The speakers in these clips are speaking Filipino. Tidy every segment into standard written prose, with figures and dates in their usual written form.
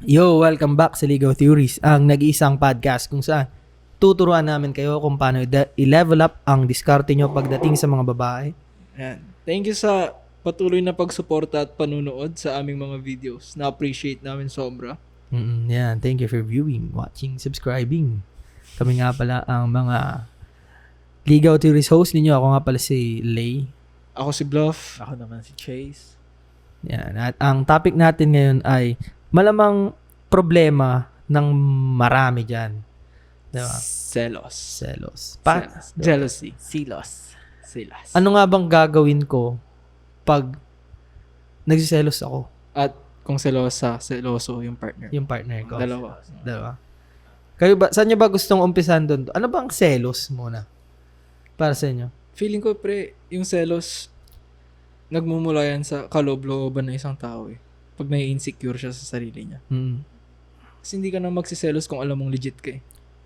Yo, welcome back sa Legal Theories, ang nag-iisang podcast kung saan tuturuan namin kayo kung paano i-level up ang diskarte nyo pagdating sa mga babae. Yan. Thank you sa patuloy na pagsuporta at panunood sa aming mga videos. Na-appreciate namin sobra. Yan, thank you for viewing, watching, subscribing. Kami nga pala ang mga Legal Theories host ninyo. Ako nga pala si Lay. Ako si Bluff. Ako naman si Chase. Yan, at ang topic natin ngayon ay malamang problema ng marami dyan. Diba? Selos. Selos. Selos. Jealousy. Silos. Silas. Ano nga bang gagawin ko pag nagsiselos ako? At kung seloso yung partner. Yung partner ko. Dalawa. Diba? Kayo ba, saan nyo ba gustong umpisan doon? Ano bang selos muna? Para sa inyo? Feeling ko, pre, yung selos, nagmumula yan sa kaloob-looban ng isang tao eh. Pag may insecure siya sa sarili niya. Kasi hindi ka na magsiselos kung alam mong legit ka eh.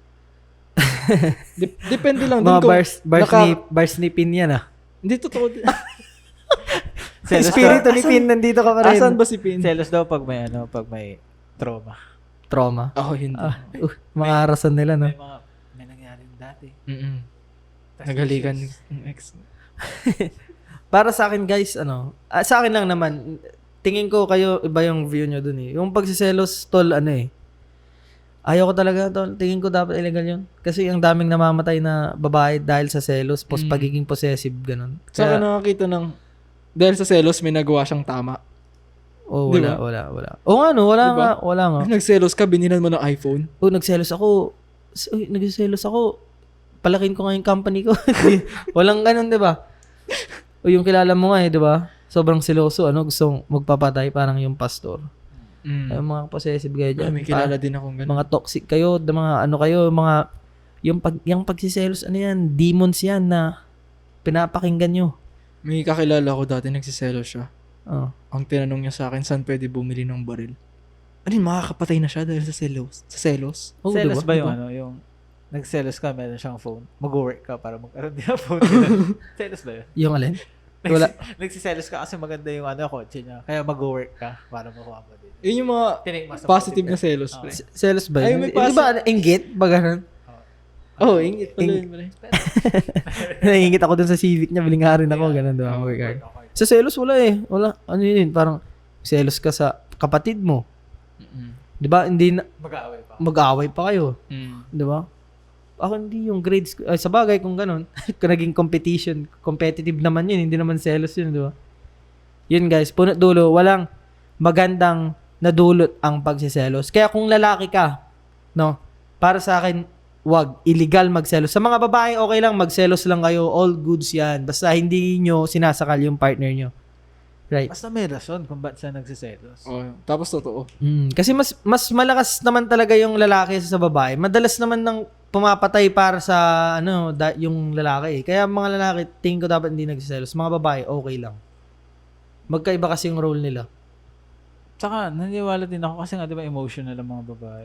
Depende lang din Mga kung bars ni Pin yan ah. Hindi totoo. Espiritu ni Pin, nandito ka pa rin. Asan ba si Pin? Selos daw pag may trauma. Trauma. Ako hindi. Mga arasan nila, no? May nangyari dati. Nagalikan ng ex. Para sa akin, guys, sa akin lang naman, tingin ko kayo, iba yung view nyo dun eh. Yung pagsiselos, tol, ayaw ko talaga, tol. Tingin ko dapat illegal yun. Kasi ang daming namamatay na babae dahil sa selos, pagiging possessive, ganun. Saka nakakita ng, dahil sa selos, may nagawa siyang tama. Oh, Diba? wala. Oo nga, no, wala nga. Nagselos ka, binilan mo ng iPhone. Oh, nagselos ako. Nagselos ako. Palakin ko nga yung company ko. Walang ganun, di ba? O yung kilala mo nga di ba? Sobrang seloso, gusto magpapatay, parang yung pastor. Ay, mga possessive kayo dyan. May kilala din akong ganun. Mga toxic kayo, yung pagsiselos, yan, demons yan na pinapakinggan nyo. May kakilala ko dati, nagsiselos siya. Oh. Ang tinanong niya sa akin, saan pwede bumili ng baril? Ano yun, makakapatay na siya dahil sa selos? Sa selos? Oh, Selos diba? ba yung yung nagselos ka, meron siyang phone, mag-work ka para magkaroon din ng phone. Selos ba yun? Yung alin? Wala. Nagsiselos ka kasi maganda yung kotse niya. Kaya mag-work ka para makuha mo din. Yun yung mga positive na selos, pre. Selos ba Ay, yun? may Di ba, inggit? Ba ganun? Ingit pala yun, pre. Nangingit ako dun sa Civic niya, biling nga rin ako, ganun, diba? Work hard. Sa selos, wala eh. Wala. Ano yun? Parang selos ka sa kapatid mo. Di ba? Hindi na, mag-aaway pa kayo. Di ba? Ako hindi yung grades. Sa bagay kung ganun. Kung naging competitive naman yun. Hindi naman selos yun, di ba? Yun guys, punot dulo. Walang magandang nadulot ang pagsiselos. Kaya kung lalaki ka, no? Para sa akin, wag. Illegal magselos. Sa mga babae, okay lang. Magselos lang kayo. All goods yan. Basta hindi nyo sinasakal yung partner nyo. Right. Basta may rason kung ba't siya nagsiselos. Tapos totoo. Kasi mas malakas naman talaga yung lalaki sa babae. Madalas naman nang pumapatay para sa yung lalaki. Kaya mga lalaki, tingin ko dapat hindi nagsiselos. Mga babae, okay lang. Magkaiba kasi yung role nila. Tsaka, naniwala din ako kasi nga, di ba, emotional ang mga babae.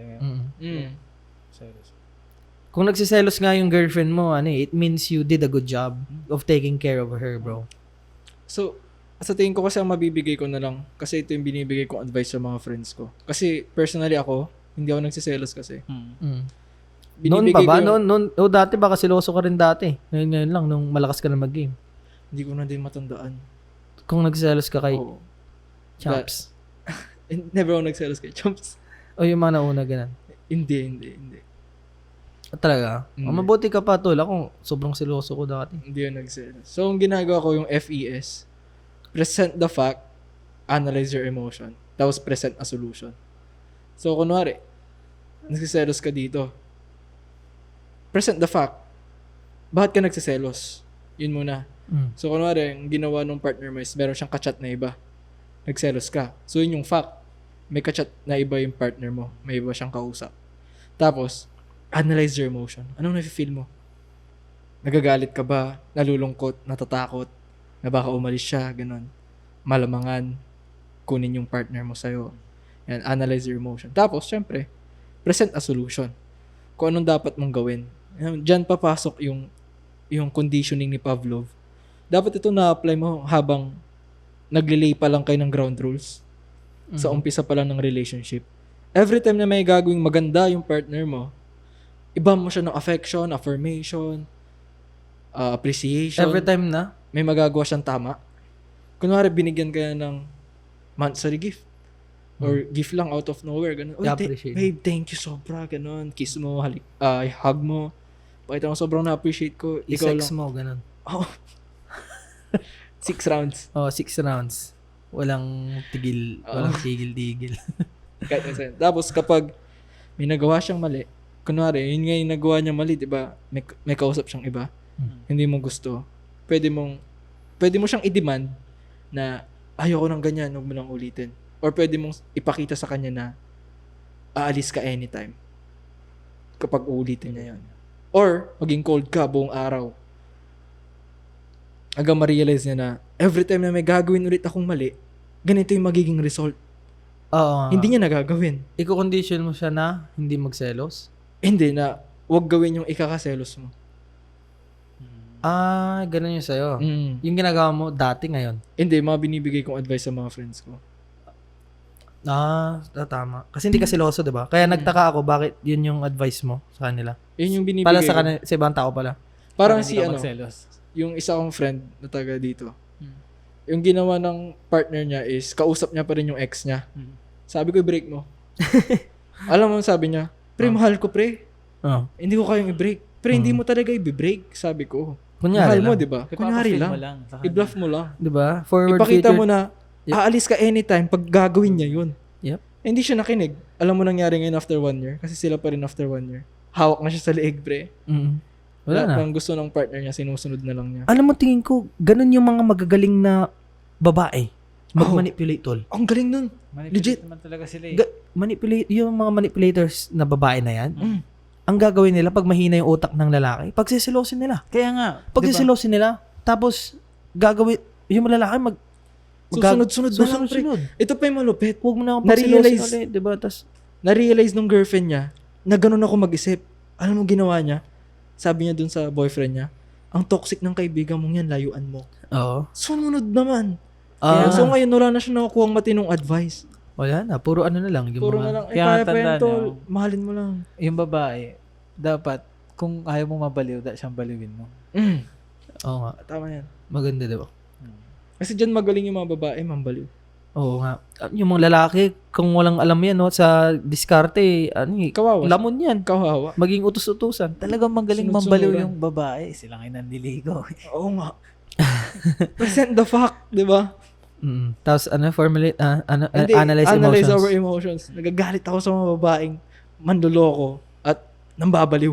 Selos. Kung nagsiselos nga yung girlfriend mo, it means you did a good job of taking care of her, bro. So, sa tingin ko kasi ang mabibigay ko na lang, kasi ito yung binibigay kong advice sa mga friends ko. Kasi personally ako, hindi ako nagsiselos kasi. Noon pa ba? Noon, dati baka siloso ka rin dati. Ngayon lang, nung malakas ka na mag-game. Hindi ko na din matandaan. Kung nagsiselos ka kay Chomps. Never ako nagselos kay Chomps. O yung mga nauna, ganun. Hindi. Talaga? Mabuti ka pa, tol. Ako, sobrang siloso ko dati. Hindi ako nagselos. So, ang ginagawa ko yung FES, present the fact, analyze your emotion, tapos present a solution. So, kunwari, nagsiselos ka dito. Present the fact. Bakit ka nagsiselos? Yun muna. So, kunwari, ang ginawa ng partner mo is meron siyang kachat na iba. Nagselos ka. So, yun yung fact. May kachat na iba yung partner mo. May iba siyang kausap. Tapos, analyze your emotion. Anong nafe-feel mo? Nagagalit ka ba? Nalulungkot? Natatakot? Na baka umalis siya? Ganon. Malamangan. Kunin yung partner mo sa'yo. And analyze your emotion. Tapos, syempre, present a solution. Kung anong dapat mong gawin. Diyan papasok yung conditioning ni Pavlov. Dapat ito na-apply mo habang naglilay pa lang kayo ng ground rules. Sa umpisa pa lang ng relationship. every time na may gagawing maganda yung partner mo, iba mo siya ng affection, affirmation, appreciation. Every time na? May magagawa siyang tama. Kunwari, binigyan ka ng monthsary gift. Or gift lang out of nowhere. Ganun. I-appreciate. Babe, thank you sobra. Ganun. Kiss mo, hug mo. Pakita mo sobrang na-appreciate ko. Ikaw I-sex lang. mo, ganun. Oh. 6 rounds. Oh, 6 rounds. Walang tigil. Walang tigil-tigil. Kahit minsan. Tapos kapag may nagawa siyang mali, kunwari, yun nga yung nagawa niya mali, di ba? May kausap siyang iba. Hindi mo gusto. Pwede mo siyang i-demand na ayoko ng ganyan, huwag mo lang ulitin. Or pwede mong ipakita sa kanya na aalis ka anytime kapag uulitin niya yun. Or maging cold ka buong araw. Hanggang ma-realize niya na every time na may gagawin ulit akong mali, ganito yung magiging result. Oo. Hindi niya nagagawin. Iko-condition mo siya na hindi magselos? Hindi na wag gawin yung ikakaselos mo. Ganun yung sa'yo. Mm. Yung ginagawa mo dati ngayon. Hindi, mga binibigay kong advice sa mga friends ko. Tama. Kasi hindi ka seloso, di ba? Kaya nagtaka ako bakit yun yung advice mo sa kanila. Yun yung binibigay Pala sa ko. kanila, sa ibang tao pala. Parang Para si hindi ka ano, magselos. yung isa kong friend na taga dito. Yung ginawa ng partner niya is kausap niya pa rin yung ex niya. Sabi ko, i-break mo. Alam mo, sabi niya, pre, mahal ko, pre. Hindi ko kayang i-break. Pre, hindi mo talaga i-break, sabi ko. Kunyari Mahal mo, lang. di ba? Kunyari Ipapafeel mo lang. sa kanya. I-bluff mo lang. Di ba? Forward Ipakita future. mo na, aalis ka anytime pag gagawin niya yun. Yep. Hindi siya nakinig. Alam mo nangyari ngayon after 1 year? Kasi sila pa rin after 1 year. Hawak na siya sa leeg, pre. Wala na. Lahat ng gusto ng partner niya, sinusunod na lang niya. Alam mo, tingin ko, ganun yung mga magagaling na babae. Mag-manipulate, tol. Ang galing nun. Legit. Naman talaga sila eh. Manipulate, yung mga manipulators na babae na yan, Mm. ang gagawin nila pag mahina yung utak ng lalaki, pagsisilosin nila. Kaya nga. Pagsisilosin nila, tapos gagawin, yung lalaki Susunod-sunod na lang, pre. susunod. Ito pa yung malupit. Huwag mo na akong pagsilosin Na-realize- ulit, diba? Tas, Na-realize nung girlfriend niya na ganun ako mag-isip. Alam mo ginawa niya? Sabi niya dun sa boyfriend niya, ang toxic ng kaibigan mong yan, layuan mo. oo. Sumunod naman. Ah, So ngayon, wala na siya nakukuha matinong advice. wala na, puro ano na lang. Yung Puro mga, na lang, Kaya kaya pa yan, tandaan tol. niyo. Mahalin mo lang. Yung babae, dapat, kung ayaw mo mabaliw, siyang baliwin mo. Oo nga, Tama yan. maganda diba? Kasi dyan magaling yung mga babae, mambaliw. Oo nga. Yung mga lalaki, kung walang alam yan, no, sa diskarte, Kawawa. lamon yan. Kawawa. Maging utos-utusan. Talagang magaling Sunod-sunuran. mambaliw yung babae. Sila ngayon nandiligo. Oo nga. Present the fact, di ba? Tapos, formulate, Hindi, analyze emotions. our emotions. Nagagalit ako sa mga babaeng manloloko at nambabaliw.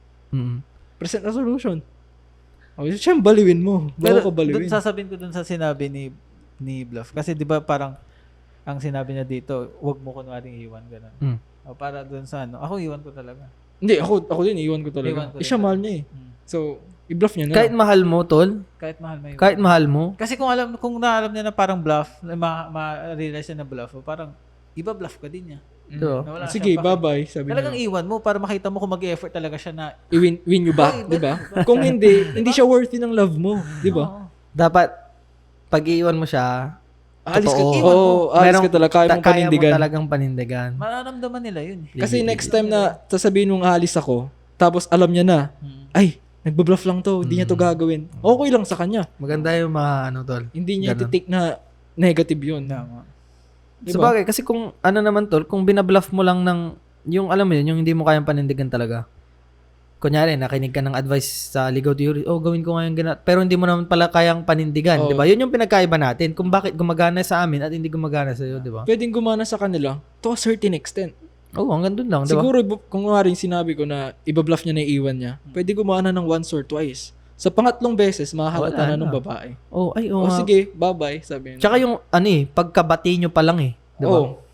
Present a solution. Okay, siyang baliwin mo. Pero Bago ka baliwin. sasabihin ko dun sa sinabi ni Bluff. Kasi di ba parang ang sinabi niya dito, wag mo kunwaring iwan. Ganun. O para dun sa ako iwan ko talaga. Hindi, ako din, iwan ko talaga. Iwan ko din Siya mahal niya eh. So, i-bluff niya na. Kahit mahal mo, tol. Kahit mahal mo iwan. Kahit mahal mo. Kasi kung naalam niya na parang bluff, ma-realize niya na bluff, parang iba bluff ka din niya. Diba? Na wala Sige, siyang bye-bye. Sabi Talagang niya. iwan mo para makita mo kung mag-effort talaga siya na Win you back, di ba? Kung hindi siya worthy ng love mo, di ba? Oo. Dapat, pag iiwan mo siya, Aalis ka, totoo. aalis ka talaga. Kaya mong kaya mo panindigan. talagang panindigan. Mararamdaman nila yun. Kasi next time na sasabihin mong aalis ako, tapos alam niya na, ay, nagbabluff lang to, hindi niya to gagawin. Okay lang sa kanya. Maganda yung mga tol. Hindi niya Ganun. iti-take na negative yun. Tama. Diba? Sabagay, kasi kung naman tol, kung binabluff mo lang ng, yung alam mo yun, yung hindi mo kayang panindigan talaga. Kunyari, nakinig ka ng advice sa legal theory, gawin ko ngayon ganat. Pero hindi mo naman pala kayang panindigan, Oo. di ba? Yun yung pinagkaiba natin, kung bakit gumagana sa amin at hindi gumagana sa iyo, di ba? Pwedeng gumana sa kanila to a certain extent. Oo, hanggang dun lang, di ba? Siguro, kung nga rin sinabi ko na ibabluff niya na iiwan niya, pwede gumana ng once or twice. Sa pangatlong beses, mahahalata Wala na ng na. babae. Oo, O nga. sige, bye-bye, sabi niya. Tsaka yung, pagkabati nyo pa lang di ba? Oo.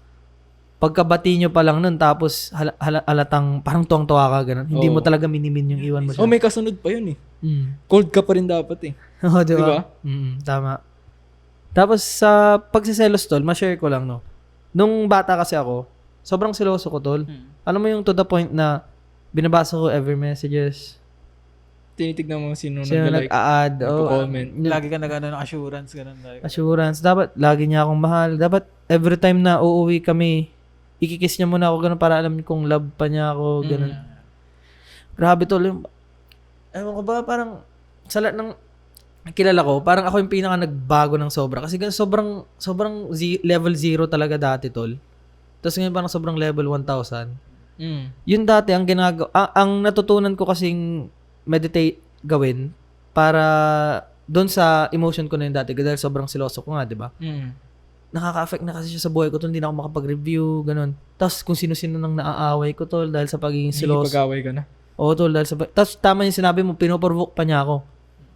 Pagkabati nyo pa lang nun, tapos halatang, parang tuwang-tuwa ka, ganun. Hindi Oo. mo talaga minimin yung iwan mo siya. May kasunod pa yun eh. Mm. Cold ka pa rin dapat eh. Oo, di Di ba? ba? Tama. Tapos sa pagsiselos, tol, ma-share ko lang, no. Nung bata kasi ako, sobrang seloso ko, tol. Alam mo yung to the point na binabasa ko every messages, Tinitignan mo sino sino nag-like. nag-a-add, nagko-comment. Lagi ka nag-ano ng assurance, ganun. assurance. Dapat, lagi niya akong mahal. Dapat, every time na uuwi kami, Ikikiss niya muna ako ganun para alam kung love pa niya ako, ganun. Grabe tol, yung, ewan ko ba, parang, sa lahat ng kilala ko, parang ako yung pinaka nagbago ng sobra. Kasi sobrang level 0 talaga dati tol. Tapos ngayon parang sobrang level 1,000. Yun dati, ang natutunan ko kasing meditate gawin para doon sa emotion ko na yun dati. Dahil sobrang siloso ko nga, di ba? Nakaka-affect na kasi siya sa buhay ko tol. Hindi na ako makapag-review, ganun. Tapos kung sino-sino nang naaaway ko tol dahil sa pagiging siloso. Pag-away ka na. Oo tol, dahil sa... Tapos tama yung sinabi mo, pinoprovoke pa niya ako.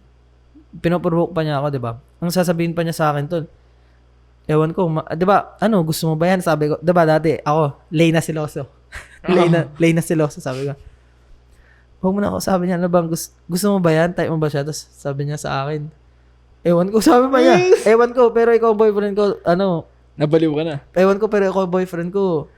Di ba? Ang sasabihin pa niya sa akin tol, ewan ko, di ba, gusto mo ba yan? Sabi ko, di ba dati, ako, lay na siloso. lay na siloso, sabi ko. Huwag mo na ako, sabi niya, ano bang, gusto mo ba yan? Type mo ba siya? Tapos sabi niya sa akin, ewan ko, sabi pa niya, ewan ko, pero ikaw boyfriend ko, Nabaliw ka na. ewan ko, pero ikaw boyfriend ko,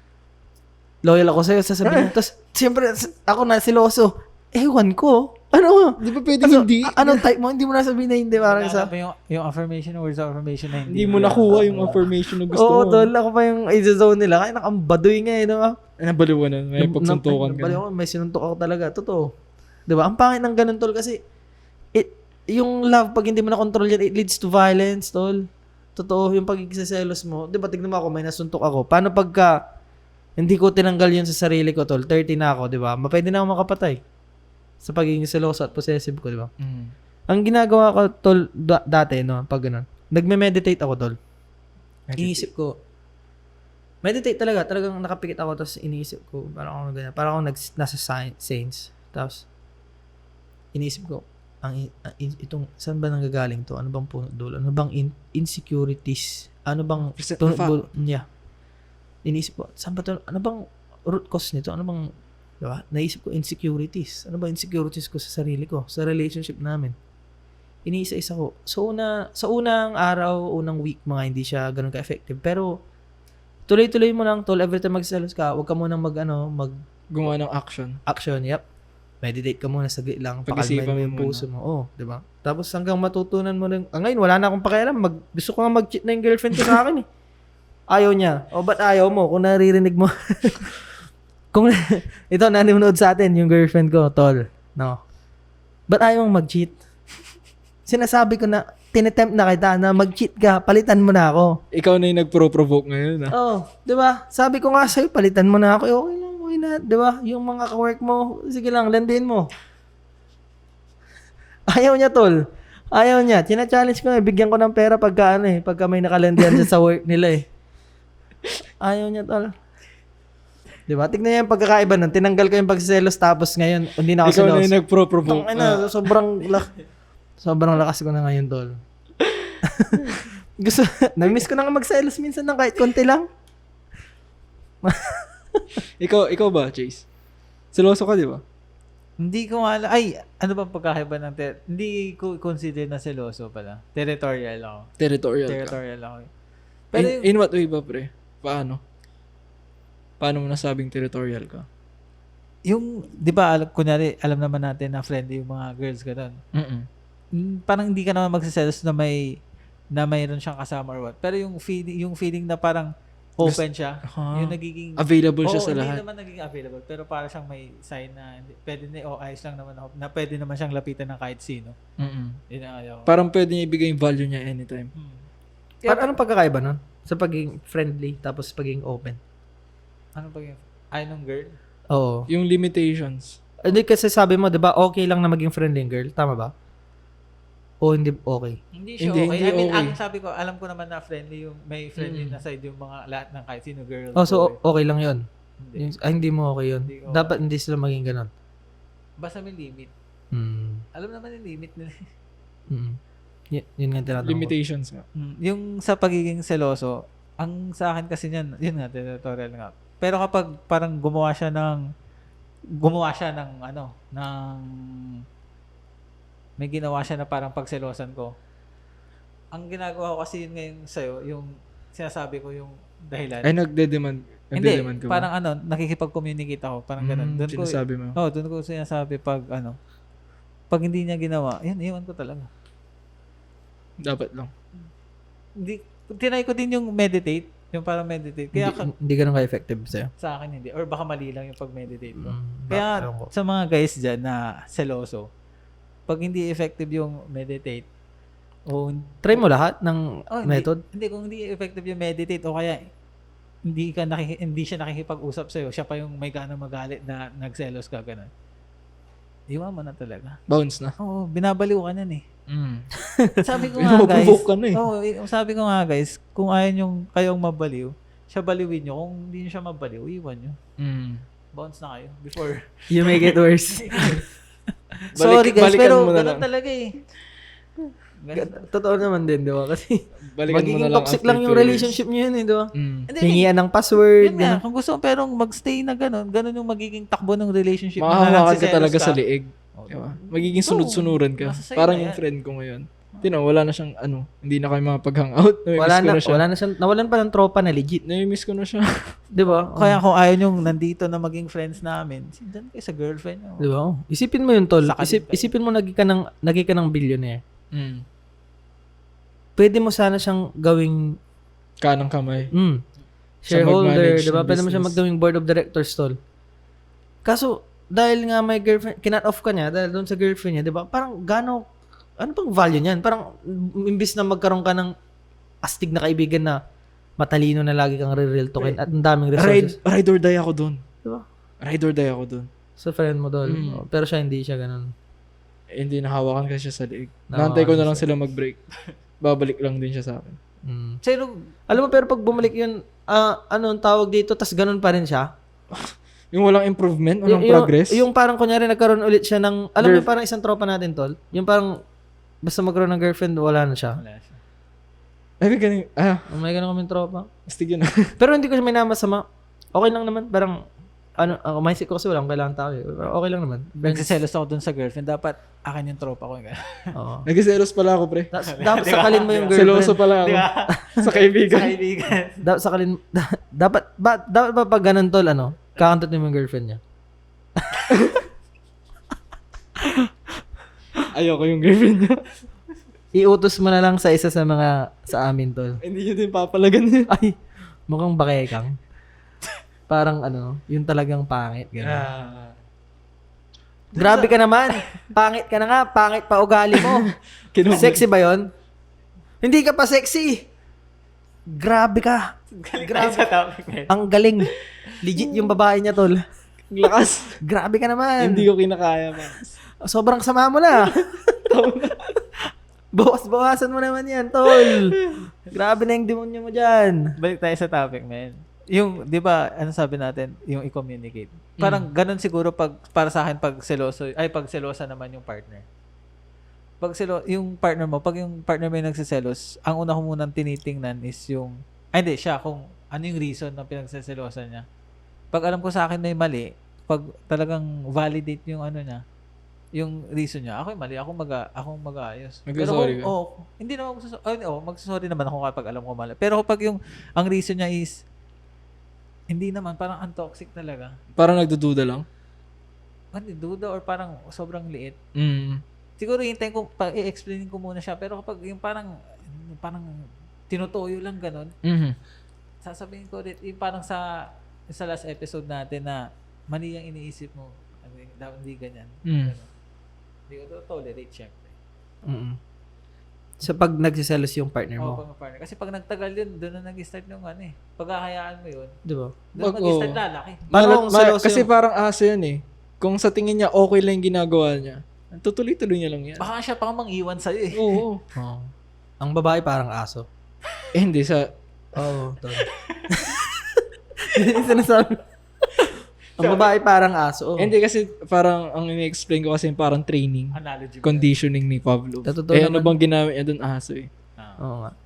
loyal ako sa'yo, sasabihin. Tapos, siyempre, ako na siloso, ewan ko, Di ba pwedeng hindi? Anong type mo? Hindi mo na sabihin na hindi, parang sa... Yung affirmation, words of affirmation na Hindi mo nakuha yung affirmation na gusto Oo, mo. tol, ako pa yung i-zone nila. Kaya nakambadoy nga eh, diba? Nabaliw ka na. May pagsuntukan ka na. May sinuntok ako talaga. Totoo. Diba? Ang pangit ng ganun, tol, kasi yung love, pag hindi mo na-control yan, it leads to violence, tol. Totoo, yung pagkikiselos mo. Diba, tignan mo ako, may nasuntok ako. Paano pagka hindi ko tinanggal yun sa sarili ko, tol? 30 na ako, diba? Pwede na ako makapatay. Sa pagiging seloso at possessive ko, di ba? Ang ginagawa ko, tol, dati, no, pag ganun, nagme-meditate ako, tol. Iniisip ko, meditate talaga, talagang nakapikit ako, tapos iniisip ko, parang ako ganyan, parang ako nasa saints, tapos, iniisip ko, itong, saan ba nanggagaling to? Ano bang punot dulo? Ano bang insecurities? Ano bang, yeah. Iniisip ko, saan ba to? Ano bang root cause nito? Ano bang, diba? Naisip ko insecurities. Ano ba insecurities ko sa sarili ko? Sa relationship namin. Iniisa-isa ko. Sa unang araw, unang week, mga hindi siya ganun ka-effective. Pero, tuloy-tuloy mo lang, tol. Every time magselos ka, huwag ka munang gumawa ng action. Action, yep. Meditate ka muna, saglit lang. Pag-isipan Pakalmain mo yung mo puso mo. Oh, diba? Tapos hanggang matutunan mo rin. Ngayon, wala na akong pakialam. Gusto ko nga mag-cheat na yung girlfriend ko sa akin eh. Ayaw niya. O, ba't ayaw mo? Kung naririnig mo. Kung ito nanonood sa atin yung girlfriend ko, tol. No. Ba't ayaw mong mag-cheat? Sinasabi ko na tinetempt na kita na mag-cheat ka, palitan mo na ako. Ikaw na yung nagpro-provoke ngayon, ha? Oh, 'di ba? Sabi ko nga sa'yo, palitan mo na ako. Okay lang, okay na, 'di ba? Yung mga ka-work mo, sige lang, landin mo. Ayaw niya, tol. Ayaw niya. Tina-challenge ko na, bigyan ko ng pera pagka may nakalandian siya sa work nila eh. Ayaw niya, tol. Diba? Tignan niyo yung pagkakaiba nun. Tinanggal ko yung pagsiselos tapos ngayon, hindi na ako Ikaw selos. na yung nagpro-provoke. Sobrang lakas ko na ngayon, tol. Nag-miss ko na nga magselos minsan ng kahit konti lang. ikaw ba, Chase? Seloso ka, di ba? Hindi ko alam. Ay, ano bang pagkakaiba ng hindi ko consider na seloso pala. Territorial ako. Territorial ako. Pero in what way ba, pre? Paano mo nasabing territorial ka? Yung, di ba, kunyari, alam naman natin na friendly yung mga girls ganun. Parang hindi ka naman magsiselos na mayroon siyang kasama or what. Pero yung feeling na parang open siya, yung nagiging available siya sa lahat. Hindi naman naging available, pero parang siyang may sign na pwede na, ayos lang naman ako, na pwede naman siyang lapitan ng kahit sino. Yun ang ayaw. Parang pwede niya ibigay yung value niya anytime. Anong pagkakaiba nun? Sa pagiging friendly tapos pagiging open? Ano pag ay nung girl? Oo. Yung limitations. Hindi kasi sabi mo, 'di ba, okay lang na maging friendly yung girl, tama ba? O hindi okay? Hindi siya Hindi okay. I mean, okay. ang sabi ko, alam ko naman na friendly yung may friendly na side yung mga lahat ng kahit sino girl. Oh, so okay lang 'yon. Hindi. Hindi mo okay 'yun. Hindi ko Dapat hindi sila maging ganun. Basta may limit. Alam naman yung limit nila. Yun nga tinatanong ko. Limitations nga. Yung sa pagiging seloso, ang sa akin kasi niyan, yun nga, territorial nga. Pero kapag parang gumawa siya ng may ginawa siya na parang pagselosan ko. Ang ginagawa ko kasi yun ngayon sa'yo, yung sinasabi ko yung dahilan. Ay, nagde-demand Hindi, ka ba? parang nakikipag-communicate ako, parang ganun. Doon ko sinasabi mo. doon ko sinasabi pag hindi niya ginawa, yun, iwan ko talaga. Dapat lang. Hindi, tinry ko din yung meditate. Yung parang meditate. Kaya Hindi ganun ka-effective sa'yo. sa akin hindi. Or baka mali lang yung pag-meditate ko. Mm, Kaya ewan ko. sa mga guys dyan na seloso, pag hindi effective yung meditate, o Try mo lahat ng method. Hindi, kung hindi effective yung meditate o kaya hindi siya nakikipag-usap sa'yo, siya pa yung may ganang magalit na nagselos ka, ganun. Iwan mo na talaga. Bounce na. Oo, binabaliw ka nun eh. Sabi ko nga guys, Pinoprovoke ka na eh. sabi ko nga guys, kung ayaw yung kayong mabaliw, siya baliwin nyo. Kung hindi nyo siya mabaliw, iwan nyo. Bounce na kayo before. You make it worse. Sorry guys, balikan pero mo na ganun lang. talaga eh. Totoo naman din, di ba? Kasi Balikan mo magiging na lang toxic after lang yung 2 years. relationship nyo yun, eh, di ba? Hindi, Hingian ng password. yun nga, Ganun. kung gusto mo pero magstay na ganun yung magiging takbo ng relationship. Makahawakan ka nagsiselos talaga sa liig. Oh, Diba? Magiging sunod-sunuran ka. nasa sa'yo Parang na yung yan. friend ko ngayon. Tino, wala na siyang hindi na kayo makapag-hangout. Wala na siya. Nawalan pa ng tropa na legit. Nami-miss ko na siya. Di ba? Kaya kung ayaw nyong nandito na maging friends namin, sindan kayo sa girlfriend nyo. Di ba? Isipin mo yun, tol. Sakalin kayo. Isipin mo naging ka ng billionaire. Pwede mo sana siyang gawing Kanang kamay. shareholder, mag-manage di ba? ng Pwede mo siya business. magawing board of directors, tol. Kaso, dahil nga may girlfriend, kinat off ka niya dahil doon sa girlfriend niya, di ba? Parang ano pang value niyan? Parang imbis na magkaroon ka ng astig na kaibigan na matalino na lagi kang re-real talkin at ang daming resources. Ride or die ako doon. Diba? Ride or die ako doon. Sa friend mo, tol. Pero siya hindi siya ganun. Hindi nahawakan kasi siya sa liig. Nahawakan Nantay ko na siya lang sila mag-break. Babalik lang din siya sa akin. Pero, Alam mo, pero pag bumalik yun, anong tawag dito, tas ganun pa rin siya. Yung walang improvement, walang progress. Yung parang kunyari nagkaroon ulit siya ng, alam mo yung parang isang tropa natin, tol. Yung parang, basta magkaroon ng girlfriend, wala na siya. wala siya. Ay, ganun. May ganun kaming tropa. Astig yun. Pero hindi ko siya minamasama. Okay lang naman. Parang, mindset ko kasi walang kailangan tao eh. Pero okay lang naman. Nagsiselos ako dun sa girlfriend. Dapat akin yung tropa ko. Oo. Nagsiselos pala ako, pre. Dapat sakalin mo yung girlfriend. Seloso pala ako. Sa kaibigan. Kaibigan. Dapat sakalin, dapat ba pag ganun, tol, kakantot mo yung girlfriend niya? Ayoko yung girlfriend niya. Iutos mo na lang sa isa sa amin, tol. Hindi niya din papalagan niya. Ay, mukhang bakekang. Parang yung talagang pangit. Ganun. Grabe ka naman. Pangit ka na nga. Pangit pa ugali mo. Sexy ba yon? Hindi ka pa sexy. Grabe ka. Grabe sa topic, man. Ang galing. Legit yung babae niya, tol. Lakas. Grabe ka naman. Hindi ko kinakaya, man. Sobrang sama mo na. Bawas-bawasan mo naman yan, tol. Grabe na yung demonyo mo dyan. Balik tayo sa topic, man. Yung, di ba, ano sabi natin, yung i-communicate. Parang ganun siguro para sa akin pag selosa naman yung partner. Yung partner mo, pag yung partner mo yung nagsiselos, ang una ko munang tinitingnan is hindi, siya, kung ano yung reason na pinagsiselosa niya. Pag alam ko sa akin na yung mali, pag talagang validate yung niya, yung reason niya, ako yung mali, ako mag-aayos. Mag-sorry ka? Hindi naman magsasorry naman ako kapag alam ko mali. Pero kapag ang reason niya is, hindi naman, parang untoxic talaga. Parang nagdududa lang. Hindi, duda or parang sobrang liit. Mm. Siguro hintayin ko, i-explainin ko muna siya. Pero kapag yung parang tinutuyo lang ganun, Mm-hmm. sasabihin ko ulit, yung parang sa last episode natin na mali ang iniisip mo. Hindi ganyan. Mm. Ganun. Hindi ko tolerate, syempre. So, pag nagsiselos yung partner Oo, mo. partner. Kasi pag nagtagal yun, doon na nag-start yung pagkakayaan mo yun, Di ba? doon mag-start lalaki. Paano kung seloso Kasi yung- parang aso yan eh. Kung sa tingin niya okay lang yung ginagawa niya, tutuloy-tuloy niya lang yan. Baka siya pang mang-iwan sa'yo eh. Oo. Ang babae parang aso. Hindi sa... Oo. Tol. Yun yung sinasabi. Ang babae parang aso. Hindi kasi parang ang ini-explain ko kasi parang training. Analogy. Conditioning ni Pavlov. Totoo Ano naman. bang ginamit niya doon? Aso eh. Oo nga.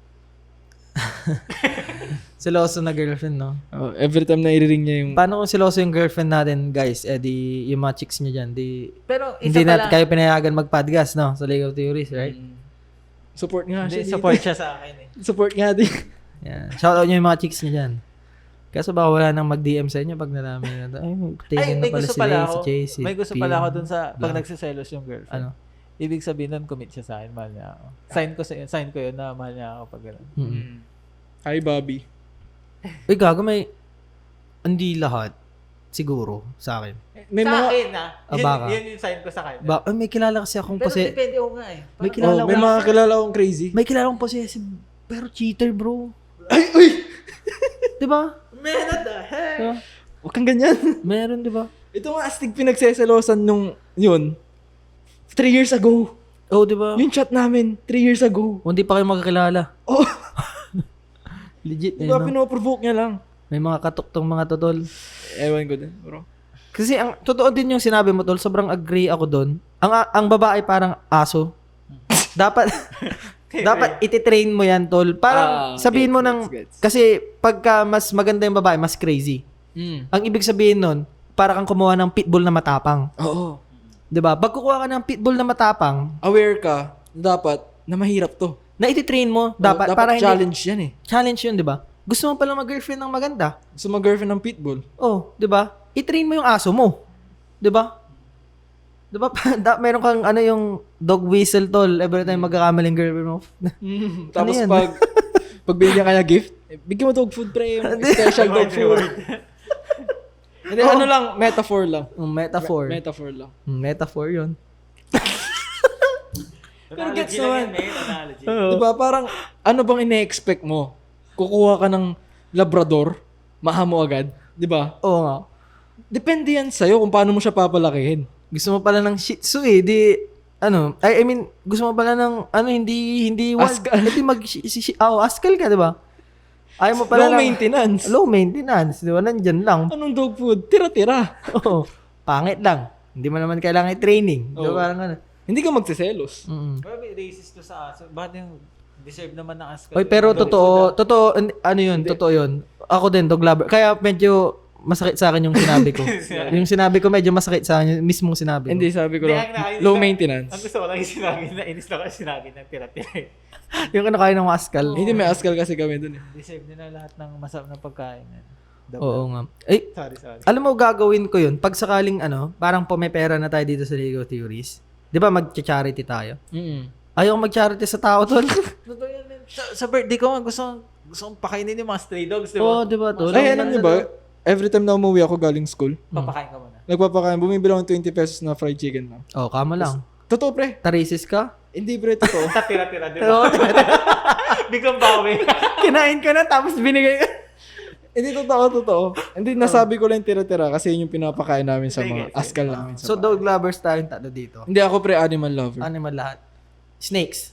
Seloso na girlfriend, no? Every time na i-ring niya yung... Paano kung seloso yung girlfriend natin, guys? Di yung mga chicks niya dyan, Pero isa hindi pala, natin kayo pinayagan mag-podcast, no? Sa legal theories, right? Support nga hindi, siya. support siya sa akin eh. Support nga din. Yan. Shoutout nyo yung mga chicks niya dyan. Kaso baka wala nang mag-DM sa inyo pag nalaman na taken na May pala gusto si pala Lay, ako. si Jay, si May gusto P, pala ako dun sa pag blah. nagsiselos yung girlfriend. Ano? Ibig sabihin nun, commit siya sa akin, mahal niya ako. Sign ko yun na mahal niya ako pag gano'n. Mm-mm. Hi, Bobby. gago may, hindi lahat. Siguro, sa akin. May sa mga, akin, Ah, baka. Yun yung sign ko sa kanya. May kilala kasi akong Pero kasi, depende ko nga eh. may kilala may akong, mga kilala akong crazy. may kilala akong possessive, pero cheater, bro. Ay, uy! Diba? Man, what the heck? Diba? Huwag kang ganyan. Meron, diba? Ito nga astig pinagseselosan nung, yun, 3 years ago. Oh, diba? Yung chat namin, 3 years ago. Hindi pa kayo magkakilala. Oh, Legit, diba no? pinoprovoke niya lang? May mga katuktong mga totol. Ewan ko din, bro. Kasi ang totoo din yung sinabi mo, tol, sobrang agree ako doon. Ang babae parang aso. Dapat dapat ititrain mo yan, tol. Parang sabihin mo gets. kasi pagka mas maganda yung babae, mas crazy. Ang ibig sabihin nun, para kang kumuha ng pitbull na matapang. Oo. 'Di ba? Pag kukuha ka ng pitbull na matapang, Aware ka, dapat, na mahirap to. na ititrain mo, dapat para hindi challenge yan eh. challenge 'yun, 'di ba? Gusto mo pala mag-girlfriend ng maganda. Gusto mo girlfriend ng pitbull? Oh, 'di ba? I-train mo yung aso mo. 'Di ba? 'Di ba? Meron kang ano yung dog whistle, tol, every time magkakamaling girlfriend mo. Tapos yan? pag binigyan ka niya gift, bigyan mo dog food pre, yung special dog food. Hindi, ano lang, metaphor lang. Metaphor. Metaphor lang. Metaphor 'yun. Pero gets Analogy lang naman. yan, may analogy. Diba, parang, ano bang ine-expect mo? Kukuha ka ng Labrador, maha mo agad, di ba? Oo nga. Depende yan sa'yo kung paano mo siya papalakihin. Gusto mo pala ng Shih Tzu eh, di ano, I mean, gusto mo pala ng ano, hindi Askal. Hindi askal ka, di ba? Ayaw mo pala Low ng maintenance. low maintenance, di ba? Nandyan lang. Anong dog food? Tira-tira. Oo. Pangit lang. Hindi mo naman kailangan i-training. Di ba? Oo. Parang ano. Hindi ka magsiselos. Pero may racist to sa aso. Bakit yung deserve naman ng aso? Oy, pero totoo, ano yun, totoo yun. Ako din, dog lover. Kaya medyo masakit sa akin yung sinabi ko. Yung sinabi ko medyo masakit sa akin, yung mismong sinabi ko. Hindi, sabi ko Hindi, lang, ang low Ang maintenance. gusto ko lang yung sinabi na, inis lang yung sinabi ng tira-tira. Yung ano kaya ng askal. Hindi, may askal kasi kami dun eh. Deserve nila lahat ng masarap na pagkain. Oo nga. Ay, Sorry. alam mo, gagawin ko yun. Pag sakaling ano, parang pumepera na tayo dito sa Lego Theories. Di ba mag-charity tayo? Ayaw mag-charity sa tao, tol. Totoo yan, man. Sa birthday ko, gusto kong pakainin yung mga stray dogs, di ba? Oo, di ba, tol? Ay, alam niyo ba, every time na umuwi ako galing school, Papakain ka muna. nagpapakain, bumibili ako ng 20 pesos na fried chicken lang. Oh, kama lang. Totoo, pre. Tarisis ka? Hindi, pre, totoo. Tira-tira, di ba? Biglang bawi. Kinain ka na, tapos binigay ka. Hindi, totoo. Hindi, nasabi ko lang tira-tira kasi yun yung pinapakain namin sa mga askal namin. So, dog lovers tayong tatlo dito. Hindi, ako pre, animal lover. Animal lahat. Snakes.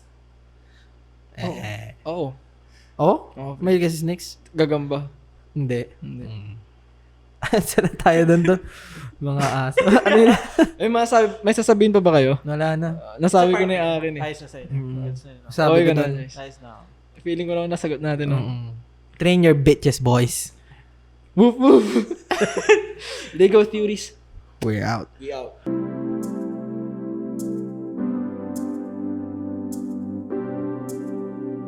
Oo. Oh? Oo. May kasi snakes? Gagamba. Hindi. Hindi. Saan na tayo doon? Mga aso. Ano yun? May sasabihin pa ba kayo? Wala na. Nasabi ko na yung akin eh. Ayos na sa'yo. Ayos na yun. Sabi Okay ko ka na, doon. Jace. Ayos na ako. Feeling ko lang nasagot natin. No? Train your bitches, boys. Woof woof. Lego theories. We're out. We out.